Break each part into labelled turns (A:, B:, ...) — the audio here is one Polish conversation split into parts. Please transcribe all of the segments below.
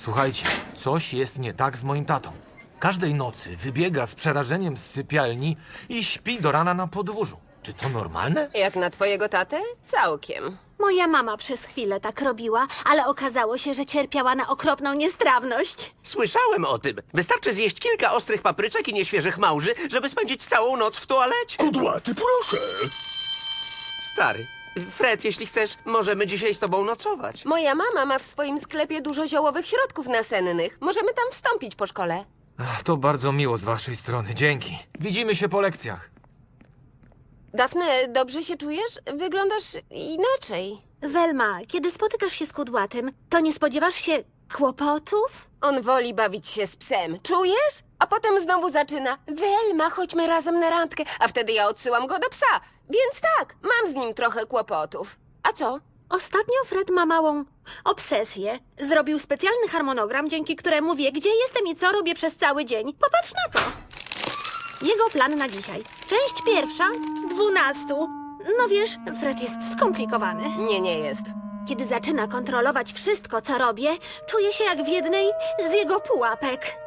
A: Słuchajcie, coś jest nie tak z moim tatą. Każdej nocy wybiega z przerażeniem z sypialni i śpi do rana na podwórzu. Czy to normalne?
B: Jak na twojego tatę? Całkiem.
C: Moja mama przez chwilę tak robiła, ale okazało się, że cierpiała na okropną niestrawność.
D: Słyszałem o tym. Wystarczy zjeść kilka ostrych papryczek i nieświeżych małży, żeby spędzić całą noc w toalecie.
E: Kudłaty, proszę.
D: Stary, Fred, jeśli chcesz, możemy dzisiaj z tobą nocować.
B: Moja mama ma w swoim sklepie dużo ziołowych środków nasennych. Możemy tam wstąpić po szkole.
A: Ach, to bardzo miło z waszej strony, dzięki. Widzimy się po lekcjach.
B: Dafne, dobrze się czujesz? Wyglądasz inaczej.
C: Welma, kiedy spotykasz się z kudłatym, to nie spodziewasz się kłopotów?
B: On woli bawić się z psem. Czujesz? A potem znowu zaczyna. Welma, chodźmy razem na randkę. A wtedy ja odsyłam go do psa. Więc tak, mam z nim trochę kłopotów. A co?
C: Ostatnio Fred ma małą obsesję. Zrobił specjalny harmonogram, dzięki któremu wie, gdzie jestem i co robię przez cały dzień. Popatrz na to. Jego plan na dzisiaj. Część pierwsza z 12. No wiesz, Fred jest skomplikowany.
B: Nie jest.
C: Kiedy zaczyna kontrolować wszystko, co robię, czuję się jak w jednej z jego pułapek.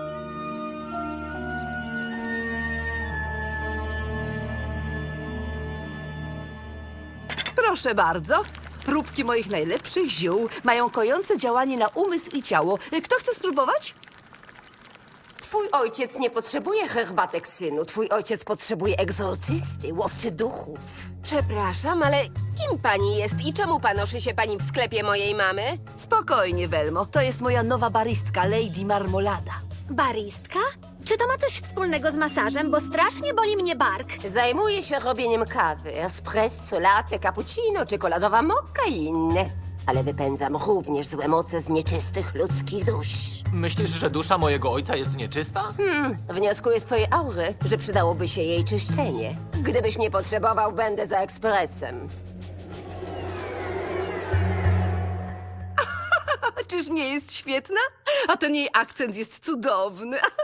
F: Proszę bardzo. Próbki moich najlepszych ziół mają kojące działanie na umysł i ciało. Kto chce spróbować?
B: Twój ojciec nie potrzebuje herbatek, synu. Twój ojciec potrzebuje egzorcysty, łowcy duchów. Przepraszam, ale kim pani jest i czemu panoszy się pani w sklepie mojej mamy?
F: Spokojnie, Welmo. To jest moja nowa baristka, Lady Marmolada.
C: Baristka? Czy to ma coś wspólnego z masażem, bo strasznie boli mnie bark?
B: Zajmuje się robieniem kawy, espresso, latte, cappuccino, czekoladowa mokka i inne. Ale wypędzam również złe moce z nieczystych ludzkich dusz.
A: Myślisz, że dusza mojego ojca jest nieczysta?
B: Wnioskuję z twojej aury, że przydałoby się jej czyszczenie. Gdybyś mnie potrzebował, będę za ekspresem.
F: A czyż nie jest świetna? A ten jej akcent jest cudowny.